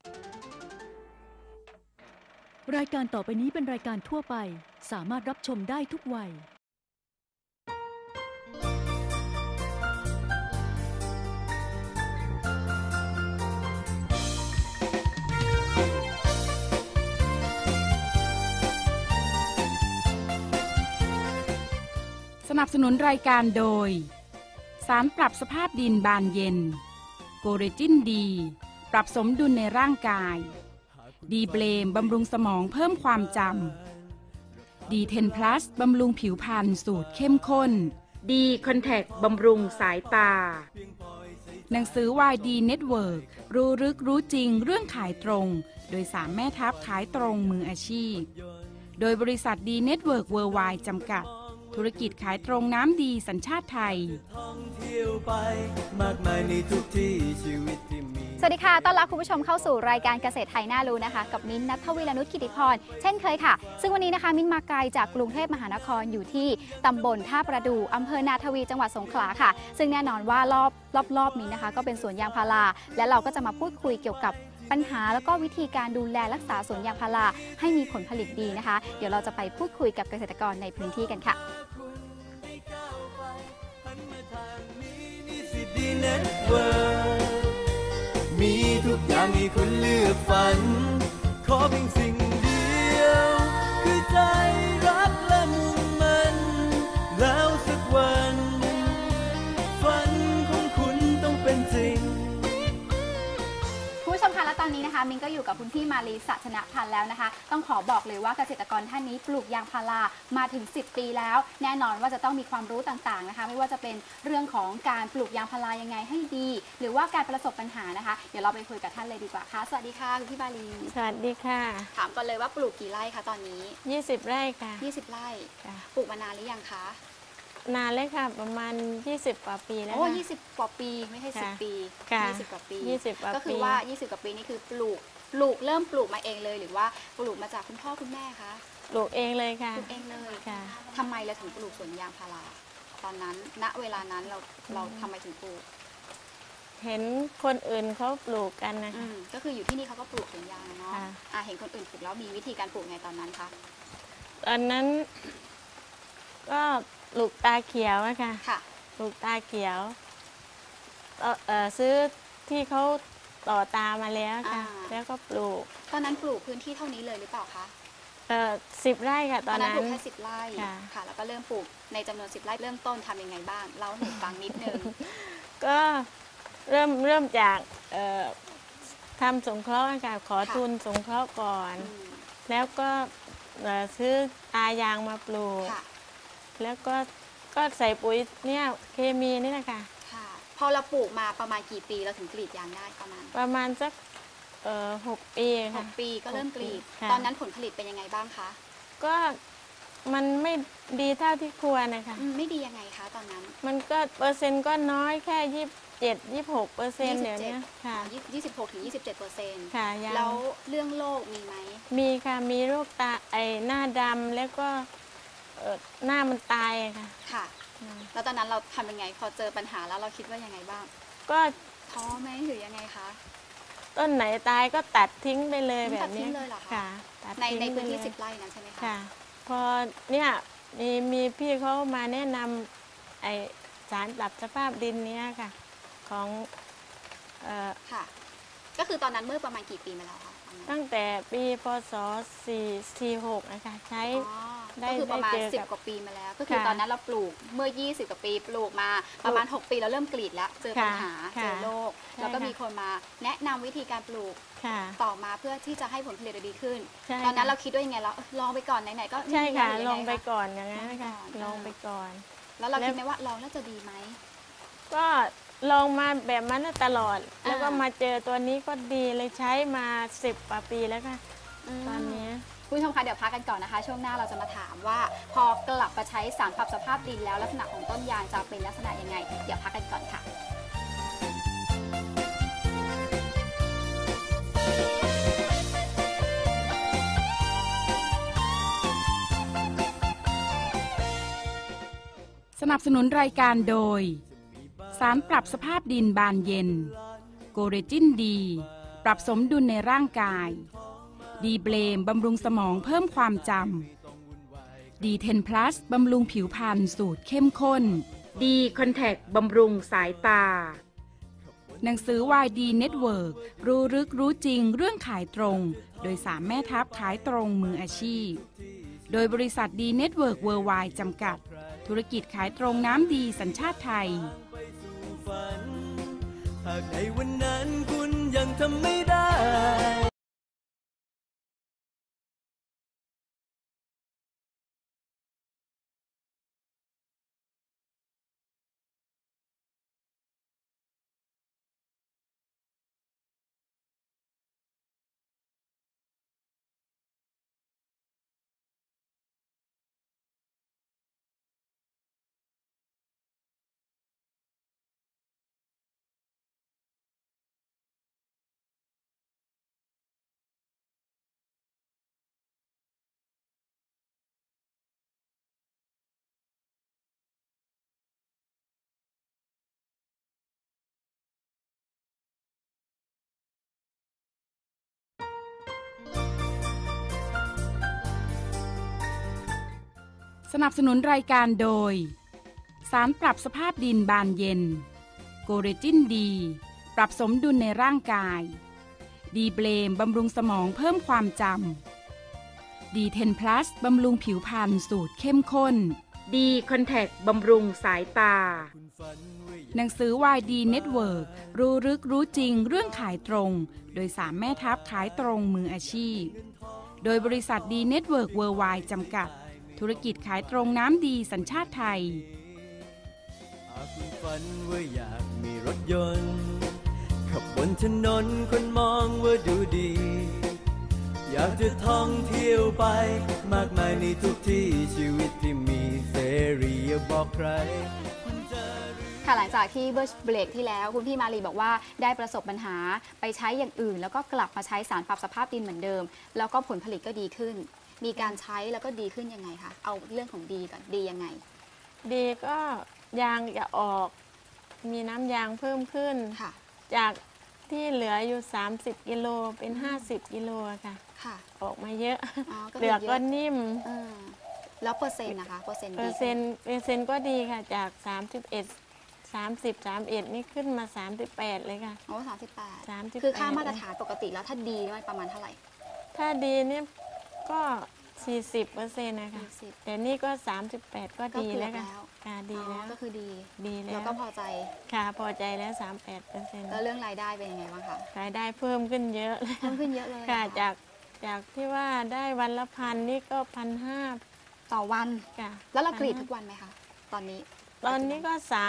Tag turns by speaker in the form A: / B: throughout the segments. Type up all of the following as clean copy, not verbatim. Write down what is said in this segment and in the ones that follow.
A: รายการต่อไปนี้เป็นรายการทั่วไปสามารถรับชมได้ทุกวัย
B: สนับสนุนรายการโดยสารปรับสภาพดินบานเย็นโกเรจินดีปรับสมดุลในร่างกายดีเบลมบำรุงสมองเพิ่มความจำดี10 plus บำรุงผิวพรรณสูตรเข้มข้นดีคอนแทคบำรุงสายตาหนังสือวายดีเน็ตเวิร์กรู้ลึกรู้จริงเรื่องขายตรงโดย3แม่ทัพขายตรงมืออาชีพโดยบริษัทดีเน็ตเวิร์กเวิร์ลด์ไวด์จำกัดธุรกิจขายตรงน้ำดีสัญชาติไทย
C: สวัสดีค่ะต้อนรับคุณผู้ชมเข้าสู่รายการเกษตรไทยน่ารู้นะคะกับมิ้นท์ ณัฐวีรนุช กิติพรเช่นเคยค่ะซึ่งวันนี้นะคะมิ้นท์มาไกลจากกรุงเทพมหานครอยู่ที่ตำบลท่าประดู่อำเภอนาทวีจังหวัดสงขลาค่ะซึ่งแน่นอนว่ารอบนี้นะคะก็เป็นสวนยางพาราและเราก็จะมาพูดคุยเกี่ยวกับปัญหาแล้วก็วิธีการดูแลรักษาสวนยางพาราให้มีผลผลิตดีนะคะเดี๋ยวเราจะไปพูดคุยกับเกษตรกรในพื้นที่กันค่ะ
D: มีทุกอย่างให้คุณเลือกฝันขอเพียงสิ่งเดียวคือใจรักและมุ่งมั่นแล้วสักวันฝันของคุณต้องเป็นจริง
C: ผู้ชมคะและตอนนี้นะคะมินก็อยู่กับคุณพี่มาลี สัชนะพันธ์แล้วนะคะต้องขอบอกเลยว่าเกษตรกรท่านนี้ปลูกยางพารามาถึง10 ปีแล้วแน่นอนว่าจะต้องมีความรู้ต่างๆนะคะไม่ว่าจะเป็นเรื่องของการปลูกยางพารายังไงให้ดีหรือว่าการประสบปัญหานะคะเดี๋ยวเราไปคุยกับท่านเลยดีกว่าค่ะสวัสดีค่ะคุณพี่มาลี
E: สวัสดีค่ะ
C: ถามก่อนเลยว่าปลูกกี่ไร่คะตอนนี้
E: 20 ไร่ค่ะ
C: 20 ไร่ปลูกมานานหรือยังคะ
E: นานเลยค่ะประมาณ20 กว่าปีแล้ว
C: โอ้20 กว่าปีไม่ใช่10 ปี20 กว่าปีก็คือว่า20 กว่าปีนี่คือปลูกเริ่มปลูกมาเองเลยหรือว่าปลูกมาจากคุณพ่อคุณแม่คะ
E: ปลูกเองเลยค่ะ
C: ปลูกเองเลยค่ะทำไมเราถึงปลูกสวนยางพาราตอนนั้นณเวลานั้นเราทำไมถึงปลูก
E: เห็นคนอื่นเขาปลูกกันนะคะ
C: ก็คืออยู่ที่นี่เขาก็ปลูกสวนยางเนาะเห็นคนอื่นปลูกแล้วมีวิธีการปลูกไงตอนนั้นคะ
E: ตอนนั้นก็ปลูกตาเขียวนะคะปลูกตาเขียวซื้อที่เขาต่อตามาแล้วค่ะแล้วก็ปลูก
C: ตอนนั้นปลูกพื้นที่เท่านี้เลยหรือเปล่าคะ
E: 10 ไร่ค่ะตอนนั้น
C: ปลูกแค่10 ไร่ค่ะแล้วก็เริ่มปลูกในจำนวน10 ไร่เริ่มต้นทำยังไงบ้างเล่าให้ฟังนิดนึง
E: ก็เริ่มจากทำสงเคราะห์ค่ะขอทุนสงเคราะห์ก่อนแล้วก็ซื้อตายางมาปลูกแล้วก็ใส่ปุ๋ยเนี่ยเคมีนี่แหละค่ะ
C: พอเราปลูกมาประมาณกี่ปีเราถึงกรีดยางได้
E: ประมาณสัก6 ปีค่ะ
C: 6 ปีก็เริ่มกรีดตอนนั้นผลผลิตเป็นยังไงบ้างคะ
E: ก็มันไม่ดีเท่าที่ควรนะคะ
C: ไม่ดียังไงคะตอนนั้น
E: มันก็เปอร์เซ็นต์ก็น้อยแค่26%เดี๋ยวนี้ค่ะ
C: 26-27%ค่ะแล้วเรื่องโรคมีไหม
E: มีค่ะมีโรคตาหน้าดำแล้วก็หน้ามันตายค่ะ
C: ค่ะแล้วตอนนั้นเราทำยังไงพอเจอปัญหาแล้วเราคิดว่ายังไงบ้าง
E: ก็
C: ท้อไหมหรือยังไงคะ
E: ต้นไหนตายก็ตัดทิ้งไปเลยแบบนี้
C: ค่ะในพื้นที่10 ไร่นั้นใช่ไหมคะ
E: ค่ะพอเนี่ยมีพี่เขามาแนะนำสารปรับสภาพดินนี้ค่ะของ
C: ค่ะก็คือตอนนั้นเมื่อประมาณกี่ปีมาแล้วคะ
E: ตั้งแต่ปีพ.ศ. 46นะคะใช้
C: ก็คือประมาณ10 กว่าปีมาแล้วก็คือตอนนั้นเราปลูกเมื่อ20 กว่าปีปลูกมาประมาณ6 ปีเราเริ่มกรีดแล้วเจอปัญหาเจอโรคแล้วก็มีคนมาแนะนำวิธีการปลูกต่อมาเพื่อที่จะให้ผลผลิตดีขึ้นตอนนั้นเราคิดว่ายังไงเราลองไปก่อนไหนๆก็
E: ใช่ค่ะลองไปก่อนอย่างนั้นค่ะลองไปก่อน
C: แล้วเราคิดไหมว่าลองแล้วจะดีไหม
E: ก็ลองมาแบบนั้นตลอดแล้วก็มาเจอตัวนี้ก็ดีเลยใช้มา10 กว่าปีแล้วค่ะตอนนี้
C: คุณผู้ชมคะเดี๋ยวพักกันก่อนนะคะช่วงหน้าเราจะมาถามว่าพอกลับมาใช้สารปรับสภาพดินแล้วลักษณะของต้นยางจะเป็นลักษณะยังไงเดี๋ยวพักกันก่อนค่ะ
B: สนับสนุนรายการโดยสารปรับสภาพดินบานเย็นโกเรจินดีปรับสมดุลในร่างกายดีเบลมบำรุงสมองเพิ่มความจำดี10 plus บำรุงผิวพรรณสูตรเข้มข้นดีคอนแทคบำรุงสายตาหนังสือ YD Network รู้ลึกรู้จริงเรื่องขายตรงโดย3แม่ทัพขายตรงมืออาชีพโดยบริษัทดีเน็ตเวิร์กเวิร์ไวด์จำกัดธุรกิจขายตรงน้ำดีสัญชาติไทย
D: หากในวันนั้นคุณยังทำไม่ได้
B: สนับสนุนรายการโดยสารปรับสภาพดินบานเย็นโกเรจินดีปรับสมดุลในร่างกายดีเบลมบำรุงสมองเพิ่มความจำดี10 plus บำรุงผิวพรรณสูตรเข้มข้นดีคอนแทคบำรุงสายตาหนังสือ YD Network รู้ลึกรู้จริงเรื่องขายตรงโดย3แม่ทัพขายตรงมืออาชีพโดยบริษัทดีเน็ตเวิร์กเวิร์ไวด์จำกัดธุรกิจขายตรงน้ำดีสัญชาติไทย
D: หากคุณฝันว่าอยากมีรถยนต์ขับบนถนนคนมองว่าดูดีอยากจะท่องเที่ยวไปมากมายในทุกที่ชีวิตที่มีเสรีอย่าบอกใคร
C: ค่ะหลังจากที่เบรกที่แล้วคุณพี่มาลีบอกว่าได้ประสบปัญหาไปใช้อย่างอื่นแล้วก็กลับมาใช้สารปรับสภาพดินเหมือนเดิมแล้วก็ผลผลิตก็ดีขึ้นมีการใช้แล้วก็ดีขึ้นยังไงคะเอาเรื่องของดีก่อนดียังไง
E: ดีก็ยางจะออกมีน้ำยางเพิ่มขึ้น
C: ค่ะ
E: จากที่เหลืออยู่30กิโลเป็น50กิโลค่ะออกมาเยอะเหลือก็นิ่ม
C: แล้วเปอร์เซ็นต์นะคะเปอร์เซ็น
E: ต์ก็ดีค่ะจาก31 นี่ขึ้นมา38เลยค่ะ
C: โอ้38คือค่ามาตรฐานปกติแล้วถ้าดีนี่ประมาณเท่าไหร่
E: ถ้าดีนี่ก็40%นะคะแต่นี่ก็38ก็ดีแล้วค่ะดีแล้ว
C: ก็คือดี
E: แล้ว
C: ก็พอใจ
E: ค่ะพอใจแล้ว38%
C: แล้วเรื่องรายได้เป็นยังไงบ้างคะ
E: รายได้เพิ่มขึ้นเยอะ
C: เลย
E: ค่ะจากที่ว่าได้วันละ1,000นี่ก็1,500
C: ต่อวัน
E: ค่ะ
C: แล้วเรากรีดทุกวันไหมคะตอนนี้
E: ก็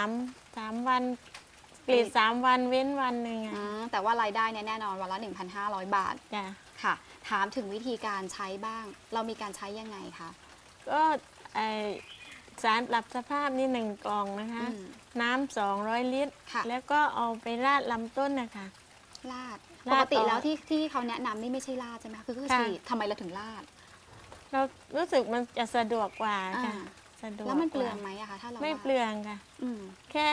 E: 3วันกรีด3วันเว้นวันหนึ่ง
C: แต่ว่ารายได้แน่นอนวันละ 1,500 บาทค่ะถามถึงวิธีการใช้บ้างเรามีการใช้ยังไงคะ
E: ก็สารปรับสภาพนี่1 กล่องนะคะน้ำ200 ลิตรแล้วก็เอาไปราดลำต้นนะคะ
C: ราดปกติแล้วที่เขาแนะนำนี่ไม่ใช่ราดใช่ไหมคือฉีดทำไมเราถึงราด
E: เรารู้สึกมันจะสะดวกกว่าค่ะ
C: แล้วมันเปลืองไหมอะคะถ้าเรา
E: ไม่เปลืองค่ะแค่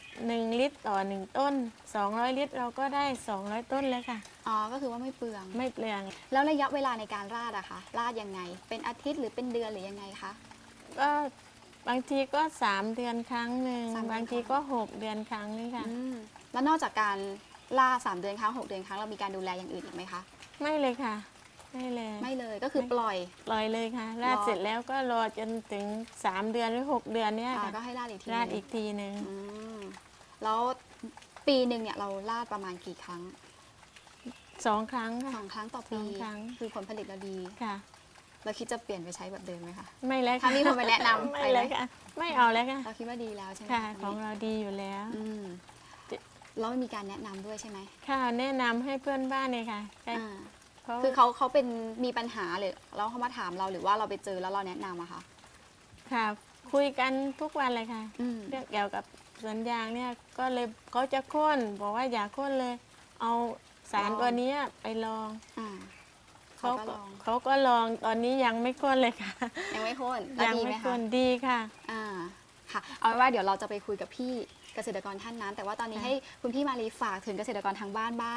E: 1 ลิตรต่อ1 ต้น200 ลิตรเราก็ได้200 ต้นแล้วค่ะ
C: ก็คือว่าไม่เปลือง
E: แล้ว
C: ระยะเวลาในการราดอะคะราดยังไงเป็นอาทิตย์หรือเป็นเดือนหรือยังไงคะ
E: ก็บางทีก็3 เดือนครั้งหนึ่งบางทีก็6 เดือนครั้งนึงค่ะ
C: แล้วนอกจากการราด3 เดือนครั้ง6 เดือนครั้งเรามีการดูแลอย่างอื่นอีกไหมคะ
E: ไม่เลยค่ะไม่
C: เลยก็คือปล่อย
E: เลยค่ะราดเสร็จแล้วก็รอจนถึง3 เดือนหรือ6 เดือนเนี้ย
C: ก็ให้ราดอี
E: กทีนึง
C: แล้วปีหนึ่งเนี่ยเราราดประมาณกี่ครั้ง
E: 2 ครั้งค่ะ
C: 2 ครั้งต่อปีคือผลผลิตเราดี
E: ค่ะ
C: เราคิดจะเปลี่ยนไปใช้แบบเดิมไหมคะ
E: ไม่แล้ว
C: ถ้ามีคนมาแนะนำ
E: ไม่เลยค่ะไม่เอาแล้วค่ะ
C: เราคิดว่าดีแล้วใช่ไหม
E: ค่ะของเราดีอยู่แล้ว
C: แล้วมีการแนะนำด้วยใช่ไหม
E: ค่ะแนะนำให้เพื่อนบ้านเลยค่ะ
C: คือเขาเป็นมีปัญหาหรือแล้วเขามาถามเราหรือว่าเราไปเจอแล้วเราแนะนำอะคะ
E: ค่ะคุยกันทุกวันเลยค่ะเรื่องเกี่ยวกับสวนยางเนี่ยก็เลยเขาจะโค่นบอกว่าอย่าโค่นเลยเอาสารตัวนี้ไปลองเขาก็ลองตอนนี้ยังไม่โค่นเลยค่ะ
C: ยังไม่โค่น
E: ยังไม่โค่นดีค่ะ
C: ค่ะเอาเป็นว่าเดี๋ยวเราจะไปคุยกับพี่เกษตรกรท่านนั้นแต่ว่าตอนนี้ให้คุณพี่มาลีฝากถึงเกษตรกรทางบ้านบ้าง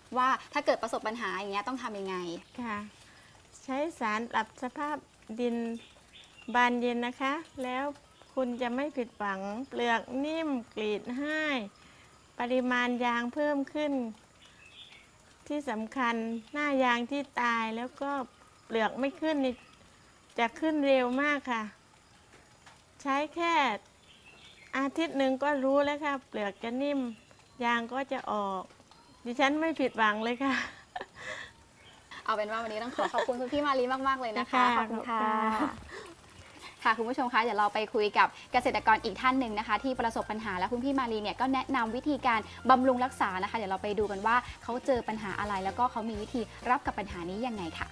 C: ว่าถ้าเกิดประสบปัญหาอย่างเงี้ยต้องทำยังไง
E: ค่ะ ใช้สารปรับสภาพดินบานเย็นนะคะ แล้วคุณจะไม่ผิดหวังเปลือกนิ่มกรีดให้ปริมาณยางเพิ่มขึ้น ที่สำคัญหน้ายางที่ตายแล้วก็เปลือกไม่ขึ้นนี่จะขึ้นเร็วมากค่ะ ใช้แค่อาทิตย์หนึ่งก็รู้แล้วค่ะ เปลือกจะนิ่มยางก็จะออก ดิฉันไม่ผิดหวังเลยค่ะ
C: เอาเป็นว่าวันนี้ต้องขอบคุณคุณพี่มาลีมากๆเลยนะคะ
E: ค่ะ
C: ขอบคุณค่ะ
E: ขอบคุณค่ะ
C: ค่ะคุณผู้ชมคะเดี๋ยวเราไปคุยกับเกษตรกรอีกท่านหนึ่งนะคะ ที่ประสบปัญหาและคุณพี่มาลีเนี่ยก็แนะนำวิธีการบำรุงรักษานะคะ เดี๋ยวเราไปดูกันว่าเขาเจอปัญหาอะไร แล้วก็เขามีวิธีรับกับปัญหานี้ยังไงค่ะ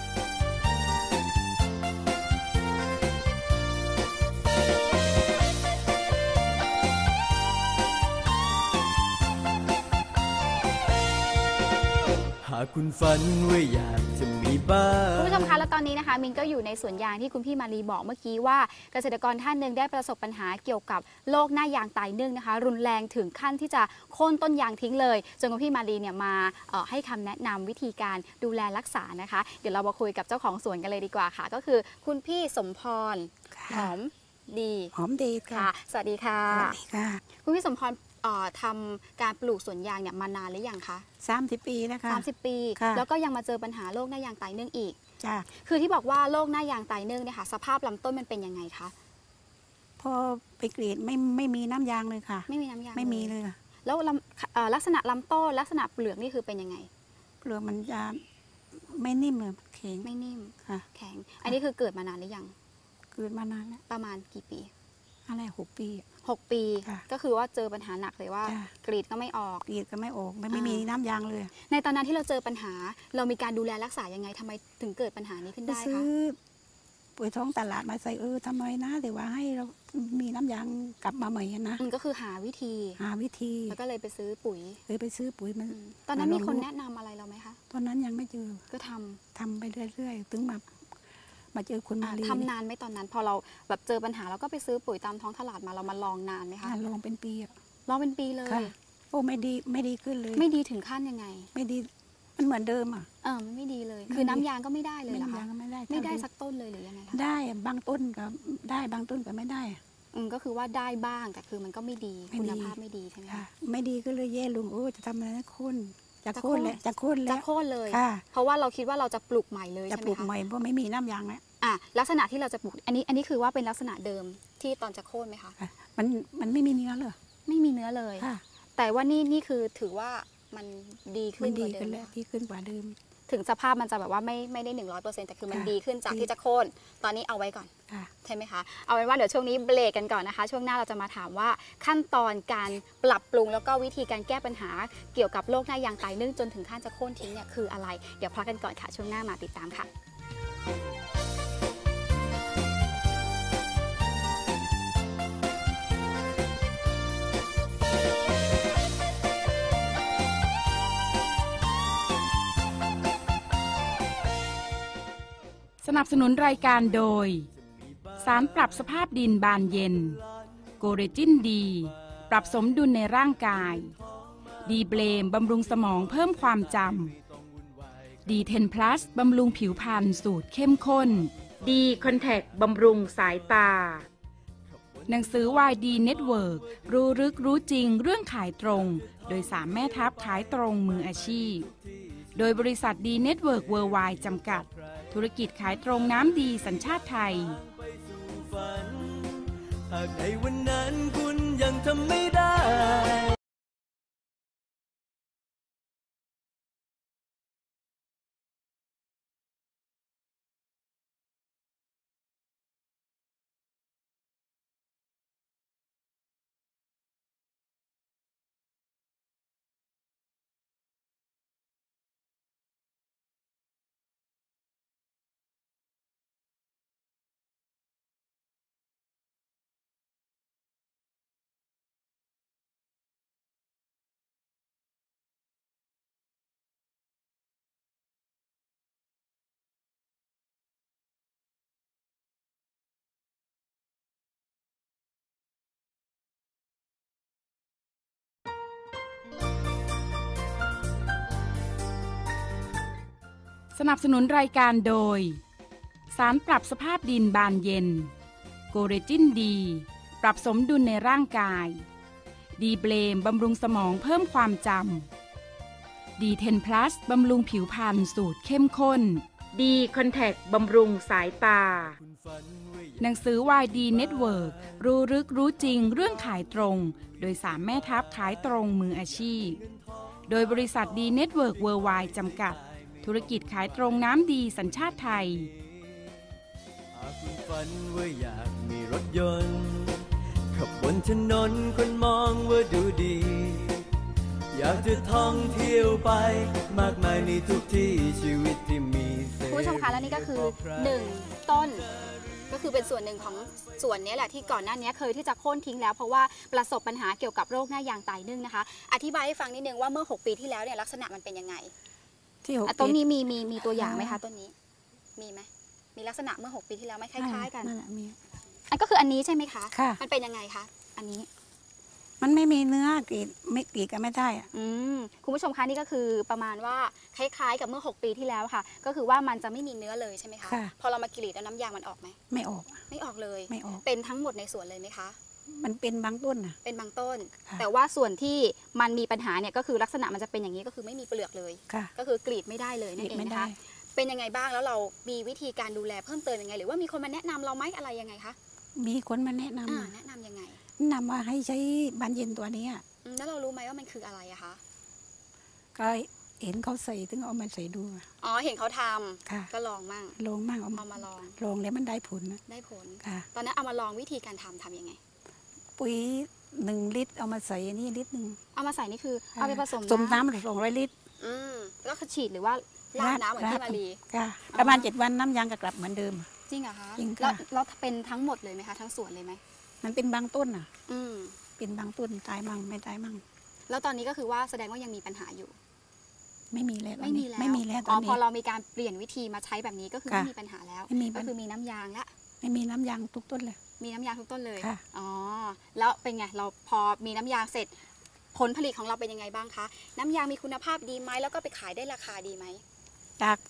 D: หากคุณฝันว่าอยากจะมีบ้าน
C: คุณผู้ชมคะแล้วตอนนี้นะคะมินก็อยู่ในสวนยางที่คุณพี่มาลีบอกเมื่อกี้ว่าเกษตรกรท่านหนึ่งได้ประสบปัญหาเกี่ยวกับโรคหน้ายางตายนึ่งนะคะ รุนแรงถึงขั้นที่จะโค่นต้นยางทิ้งเลยจนคุณพี่มาลีเนี่ยมาให้คำแนะนำวิธีการดูแลรักษานะคะ เดี๋ยวเรามาคุยกับเจ้าของสวนกันเลยดีกว่าค่ะ ก็คือคุณพี่สมพรหอมดี
F: หอมดีค่ะ
C: ค่ะสวัสดีค่ะ
F: สวัสดีค่ะ
C: คุณพี่สมพรทำการปลูกสวนยางเนี่ยมานานหรือยังคะ
F: 30 ปีแล้วค่ะ
C: 30 ปี
F: ค่ะ
C: แล้วก็ยังมาเจอปัญหาโรคหน้ายางตายนึ่งอีก
F: จ้ะ
C: คือที่บอกว่าโรคหน้ายางตายนึ่งเนี่ยค่ะสภาพลำต้นมันเป็นยังไงคะ
F: พอไปกรีดไม่มีน้ำยางเลยค่ะ
C: ไม่มีน้ำยาง
F: ไม่มีเลยค่ะ
C: แล้วลักษณะลำต้นลักษณะเปลือกนี่คือเป็นยังไง
F: เปลือกมันจะไม่นิ่มเลยมันแข็ง
C: ไม่นิ่ม
F: ค่ะ
C: แข็ง อันนี้คือเกิดมานานหรือยัง
F: เกิดมานานแล้ว
C: ประมาณกี่ปี
F: อะไร6 ปีอะ
C: 6 ปี
F: ค่ะ
C: ก็คือว่าเจอปัญหาหนักเลยว่า
F: จ้ะ
C: กรีดก็ไม่ออก
F: กรีดก็ไม่ออกไม่มีน้ำยางเลย
C: ในตอนนั้นที่เราเจอปัญหา เรามีการดูแลรักษายังไงทำไมถึงเกิดปัญหานี้ขึ้น
F: ไป
C: ได้
F: ซื้
C: คะ
F: อปุ๋ยท้องตลาดมาใส่ทำไมนะแต่ว่าให้เรามีน้ำยางกลับมาใหม่อะนะ
C: ก็คือหาวิธี
F: หาวิธี
C: แล้วก็เลยไปซื้อปุ๋ย
F: เลยไปซื้อปุ๋ยมัน
C: ตอนนั้นมีคน
F: มาลง
C: แนะนำอะไรเราไหมคะ
F: ตอนนั้นยังไม่เจอ
C: ก็ทำ
F: ทำไปเรื่อยๆถึงมาเจอคุณมาลี
C: ทำนานไหมตอนนั้น พอเราแบบเจอปัญหาเราก็ไปซื้อปุ๋ยตามท้องตลาดมาเรามาลองนานไหมคะ
F: ลองเป็นปีอะ
C: ลองเป็นปีเลย
F: ค่ะโอ้ไม่ดีขึ้นเลย
C: ไม่ดีถึงขั้นยังไง
F: ไม่ดีมันเหมือนเดิมอ่ะ
C: มันไม่ดีเลย
F: ไม่
C: คือ
F: ดี
C: น้ำยางก็ไม่ได้เลยเหรอ
F: น้ำ
C: คะ
F: ยางก็ไม่ได้
C: ไม่ได้
F: เท่า
C: สักต้นเลยหรือยังไงคะ
F: ได้บางต้นก็ได้บางต้นก็ไม่ได้
C: ก็คือว่าได้บ้างแต่คือมันก็ไม่ดี
F: ไม่ดี
C: คุณภาพไม่ดีใช่ไหม
F: ค่ะ
C: คะ
F: ไม่ดีก็เลยแย่ลุงโอ้จะทำอะไรนะคุณจะ
C: จะ
F: โค่น
C: โค่น
F: แล้วจะโค่น
C: จะ
F: แล้ว
C: โค่นเลย
F: ค่ะ
C: เพราะว่าเราคิดว่าเราจะปลูกใหม่เลย
F: จะ
C: ใช่ไห
F: ป
C: ม
F: ลูก
C: คะ
F: ใหม่เพราะไม่มีน้ำยางแล้ว
C: ลักษณะที่เราจะปลูกอันนี้คือว่าเป็นลักษณะเดิมที่ตอนจะโค่นไหมคะ
F: ค่ะมันไม่มีเนื้อเลย
C: ไม่มีเนื้อเลย
F: ค่ะ
C: แต่ว่านี่คือถือว่ามันดีขึ้
F: มัน
C: นก
F: ดี
C: ว่าเดิ
F: ขึ้น
C: ม
F: แล้วดีขึ้นกว่าเดิม
C: ถึงสภาพมันจะแบบว่าไม่ได้100%แต่คือมัน
F: ค่ะ
C: ดีขึ้นจาก
F: ดี
C: ที่จะโค่นตอนนี้เอาไว้ก่อน
F: ค่ะ
C: ใช่ไหมคะ เอาเป็นว่าเดี๋ยวช่วงนี้เบรกกันก่อนนะคะ ช่วงหน้าเราจะมาถามว่าขั้นตอนการปรับปรุงแล้วก็วิธีการแก้ปัญหาเกี่ยวกับโรคหน้ายางตายนึ่งจนถึงขั้นจะโค่นทิ้งเนี่ยคืออะไร เดี๋ยวพักกันก่อนค่ะ ช่วงหน้ามาติดตามค่ะ
B: สนับสนุนรายการโดย สารปรับสภาพดินบานเย็น โกเรจินดี ปรับสมดุลในร่างกาย ดีเบลมบำรุงสมองเพิ่มความจำดี10 plus บำรุงผิวพรรณสูตรเข้มข้น ดีคอนแทคบำรุงสายตา หนังสือวายดีเน็ตเวิร์รู้ลึกรู้จริงเรื่องขายตรง โดย3แม่ทัพขายตรงมืออาชีพ โดยบริษัทดีเน็ตเวิร์กเวิร์ไวด์จำกัด ธุรกิจขายตรงน้ำดีสัญชาติไทย
D: ไปสู่ฝัน หากในวันนั้นคุณยังทำไม่ได้
B: สนับสนุนรายการโดยสารปรับสภาพดินบานเย็นโกเรจินดีปรับสมดุลในร่างกายดีเบลมบำรุงสมองเพิ่มความจำดี10 plus บำรุงผิวพรรณสูตรเข้มข้นดีคอนแทคบำรุงสายตาหนังสือวายดีเน็ตเวิร์กรู้ลึกรู้จริงเรื่องขายตรงโดย3แม่ทัพขายตรงมืออาชีพโดยบริษัทดีเน็ตเวิร์กเวิร์ลด์ไวด์จำกัดธุรกิจขายตรงน้ำดีสัญชาติไทย
D: หากคุณฝันว่าอยากมีรถยนต์ขับบนถนนคนมองว่าดูดีอยากจะท่องเที่ยวไปมากมายในทุกที่ชีวิตที่มี
C: คุณผู้ชมคะและนี่ก็คือ1ต้นก็คือเป็นส่วนหนึ่งของส่วนนี้แหละที่ก่อนหน้านี้เคยที่จะโค่นทิ้งแล้วเพราะว่าประสบปัญหาเกี่ยวกับโรคหน้ายางตายนึ่งนะคะอธิบายให้ฟังนิดนึงว่าเมื่อ6 ปีที่แล้วเนี่ยลักษณะมันเป็นยังไง
F: ที่
C: ต้นนี้มีตัวอย่างไหมคะต้นนี้มีไหมมีลักษณะเมื่อ6 ปีที่แล้วไหมคล้ายๆกัน
F: นั่นแหละมี
C: อันก็คืออันนี้ใช่ไหมคะ
F: ค่ะ
C: มันเป็นยังไงคะอันนี้
F: มันไม่มีเนื้อกรีดไม่กรีดกันไม่ได้
C: คุณผู้ชมคะนี่ก็คือประมาณว่าคล้ายๆกับเมื่อ6 ปีที่แล้วค่ะก็คือว่ามันจะไม่มีเนื้อเลยใช่ไหมคะพอเรามากรีดแล้วน้ำยางมันออกไหม
F: ไม่ออก
C: เลย
F: ไม่ออก
C: เป็นทั้งหมดในสวนเลยไหมคะ
F: มันเป็นบางต้นนะ
C: เป็นบางต้นแต่ว่าส่วนที่มันมีปัญหาเนี่ยก็คือลักษณะมันจะเป็นอย่างนี้ก็คือไม่มีเปลือกเลยก็คือกรีดไม่ได้เลยนั่นเองนะคะเป็นยังไงบ้างแล้วเรามีวิธีการดูแลเพิ่มเติมยังไงหรือว่ามีคนมาแนะนำเราไหมอะไรยังไงคะ
F: มีคนมาแนะนำ
C: ยังไง
F: นำมาให้ใช้บานเย็นตัวนี้
C: แล้วเรารู้ไหมว่ามันคืออะไรอะคะ
F: ก็เห็นเขาใส่ถึงเอามาใส่ดู
C: อ๋อเห็นเขาทำก็ลองมั่งเอามาล
F: องแล้วมันได้ผล
C: ตอนนั้นเอามาลองวิธีการทำยังไง
F: ปุ๋ย1 ลิตรเอามาใส่นี่ลิตรนึง
C: เอามาใส่นี่คือเอาไปผสม
F: น้ำ200 ลิตร
C: แล้วคือฉีดหรือว่าราดน้ำเหมือนที่มารี
F: ประมาณ7 วันน้ำยางก็กลับเหมือนเดิม
C: จริงเหรอคะแล้วเป็นทั้งหมดเลยไหมคะทั้งสวนเลยไหม
F: มันเป็นบางต้นเป็นบางต้นตายมั่งไม่ตายมั่ง
C: แล้วตอนนี้ก็คือว่าแสดงว่ายังมีปัญหาอยู่
F: ไม่มีแล้ว
C: ตอนนี้พอเรามีการเปลี่ยนวิธีมาใช้แบบนี้ก็คือไม่มีปัญหาแล้วก็คือมีน้ำยางละ
F: ไม่มีน้ำยางทุกต้นเลย
C: มีน้ำยางทุกต้นเลยอ๋อแล้วเป็นไงเราพอมีน้ำยางเสร็จผลผลิตของเราเป็นยังไงบ้างคะน้ำยางมีคุณภาพดีไหมแล้วก็ไปขายได้ราคาดีไหม
F: จาก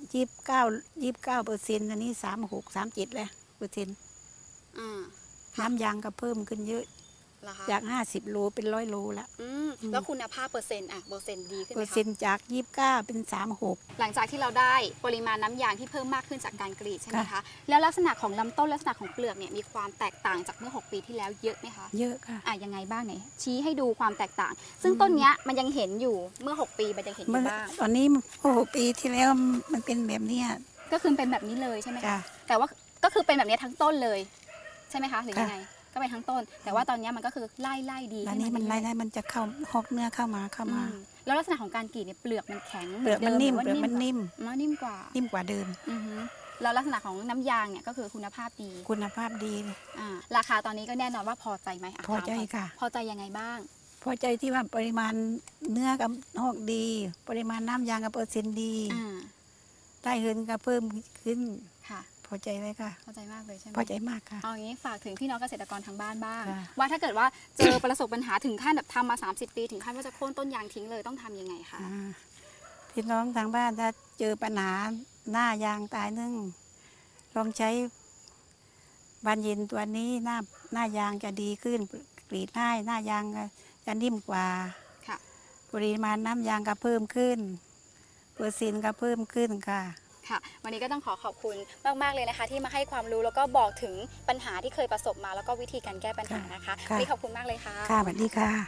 F: 29%อันนี้36-37เลย%น้ำยางก็เพิ่มขึ้นเยอะจาก50 โลเป็น100 โลละ
C: แล้วคุณภาพเปอร์เซ็นต์ดีขึ้นไหมคะ
F: เปอร์เซ็นต์จาก29เป็น36
C: หลังจากที่เราได้ปริมาณน้ำยางที่เพิ่มมากขึ้นจากการกรีดใช่ไหมคะแล้วลักษณะของลำต้นลักษณะของเปลือกเนี่ยมีความแตกต่างจากเมื่อ6 ปีที่แล้วเยอะไหมคะ
F: เยอะค่ะ
C: ยังไงบ้างไหนชี้ให้ดูความแตกต่างซึ่งต้นเนี้ยมันยังเห็นอยู่เมื่อ6 ปีมันยังเห็นอยู่บ้าง
F: ตอนนี้6 ปีที่แล้วมันเป็นแบบนี้
C: ก็คือเป็นแบบนี้เลยใช่ไหมคะแต่ว่าก็คือเป็นแบบนี้ทั้งต้นเลยใช่ไหมคะหรือยังไงก็ไปทั้งต้นแต่ว่าตอนนี้มันก็คือไล่ดี
F: ตอนนี้มันไล่มันจะเข้าหอกเนื้อเข้ามา
C: แล้วลักษณะของการกรีดเนี่ยเปลือกมันแข็ง
F: เปลือกมันนิ่ม
C: นิ่มก
F: ว่าเดิม
C: แล้วลักษณะของน้ำยางเนี่ยก็คือคุณภาพดีราคาตอนนี้ก็แน่นอนว่าพอใจไหม
F: พอใจค่ะ
C: พอใจยังไงบ้าง
F: พอใจที่ว่าปริมาณเนื้อกับหอกดีปริมาณน้ำยางกับเปอร์เซ็นต์ดีได้เงินก็เพิ่มขึ้น
C: ค่ะ
F: พอใจเลยค่ะ
C: พอใจมากเลยใช่ไหม
F: พอใจมากค่ะ
C: เอาอย่างนี้ฝากถึงพี่น้องเกษตรกรทางบ้านบ้างว่าถ้าเกิดว่าเจอประสบปัญหาถึงขั้นแบบทำมา30 ปีถึงขั้นว่าจะโค่นต้นยางทิ้งเลยต้องทำยังไงคะ
F: พี่น้องทางบ้านถ้าเจอปัญหาหน้ายางตายนึ่งลองใช้บานเย็นตัวนี้หน้ายางจะดีขึ้นกรีดง่ายหน้ายางจะนิ่มกว่าปริมาณน้ำยางก็เพิ่มขึ้นเปอร์เซ็นต์ก็เพิ่มขึ้นค่ะ
C: วันนี้ก็ต้องขอบคุณมากๆเลยนะคะที่มาให้ความรู้แล้วก็บอกถึงปัญหาที่เคยประสบมาแล้วก็วิธีการแก้ปัญหานะคะวันนี้ขอบคุณมากเลยค่ะ
F: ค่ะสวัสดีค่ะ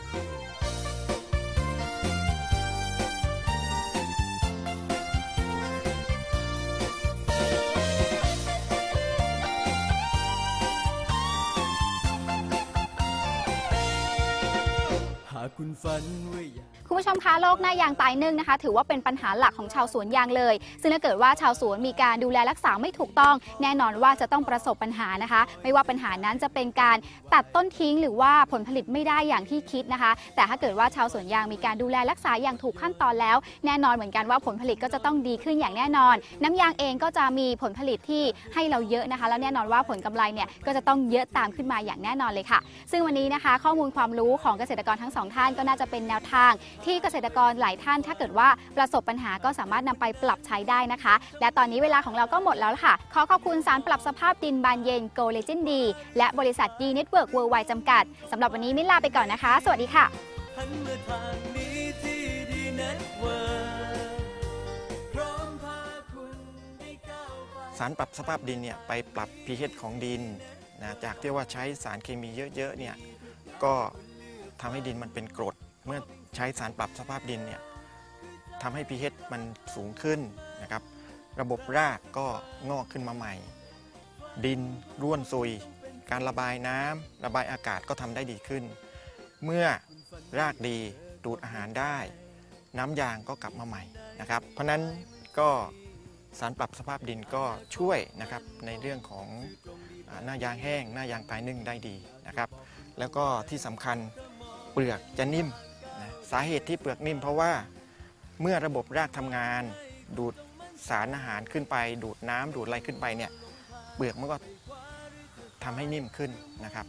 C: หากคุณฝันไว้คุณผู้ชมคะโรคหน้ายางตายนึ่งนะคะถือว่าเป็นปัญหาหลักของชาวสวนยางเลยซึ่งถ้าเกิดว่าชาวสวนมีการดูแลรักษาไม่ถูกต้องแน่นอนว่าจะต้องประสบปัญหานะคะไม่ว่าปัญหานั้นจะเป็นการตัดต้นทิ้งหรือว่าผลผลิตไม่ได้อย่างที่คิดนะคะแต่ถ้าเกิดว่าชาวสวนยางมีการดูแลรักษาอย่างถูกขั้นตอนแล้วแน่นอนเหมือนกันว่าผลผลิตก็จะต้องดีขึ้นอย่างแน่นอนน้ำยางเองก็จะมีผลผลิตที่ให้เราเยอะนะคะแล้วแน่นอนว่าผลกำไรเนี่ยก็จะต้องเยอะตามขึ้นมาอย่างแน่นอนเลยค่ะซึ่งวันนี้นะคะข้อมูลความรู้ของเกษตรกรทั้ง2 ท่านก็น่าจะเป็นแนวทางที่เกษตรกรหลายท่านถ้าเกิดว่าประสบปัญหาก็สามารถนำไปปรับใช้ได้นะคะ และตอนนี้เวลาของเราก็หมดแล้วค่ะ ขอขอบคุณสารปรับสภาพดินบานเย็น Go Legend D และบริษัท D Network Worldwide จำกัดสำหรับวันนี้มิ้นลาไปก่อนนะคะ สวัสดีค่ะ
D: หันมาทางนี้ที่ D Network พร้อมพาคุณได้ก้าวไป
G: สารปรับสภาพดินเนี่ยไปปรับ pH ของดินนะจากที่ว่าใช้สารเคมีเยอะๆเนี่ยก็ทำให้ดินมันเป็นกรดเมื่อใช้สารปรับสภาพดินเนี่ยทำให้ pH มันสูงขึ้นนะครับระบบรากก็งอกขึ้นมาใหม่ ดินร่วนซุยการระบายน้ำระบายอากาศก็ทำได้ดีขึ้น เมื่อรากดีดูดอาหารได้น้ำยางก็กลับมาใหม่นะครับเพราะนั้นก็สารปรับสภาพดินก็ช่วยนะครับในเรื่องของหน้ายางแห้งหน้ายางตายนึ่งได้ดีนะครับแล้วก็ที่สำคัญเปลือกจะนิ่มนะสาเหตุที่เปลือกนิ่มเพราะว่าเมื่อระบบรากทำงานดูดสารอาหารขึ้นไปดูดน้ำดูดอะไรขึ้นไปเนี่ยเปลือกมันก็ทำให้นิ่มขึ้นนะครับ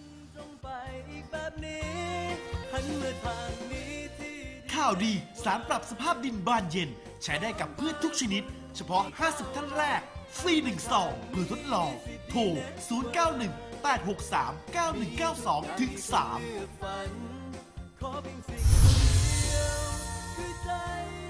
H: ข่าวดีสารปรับสภาพดินบานเย็นใช้ได้กับพืชทุกชนิดเฉพาะ 50 ท่านแรกฟรี1 ซองเพื่อทดลองโทร 091-863-9192-3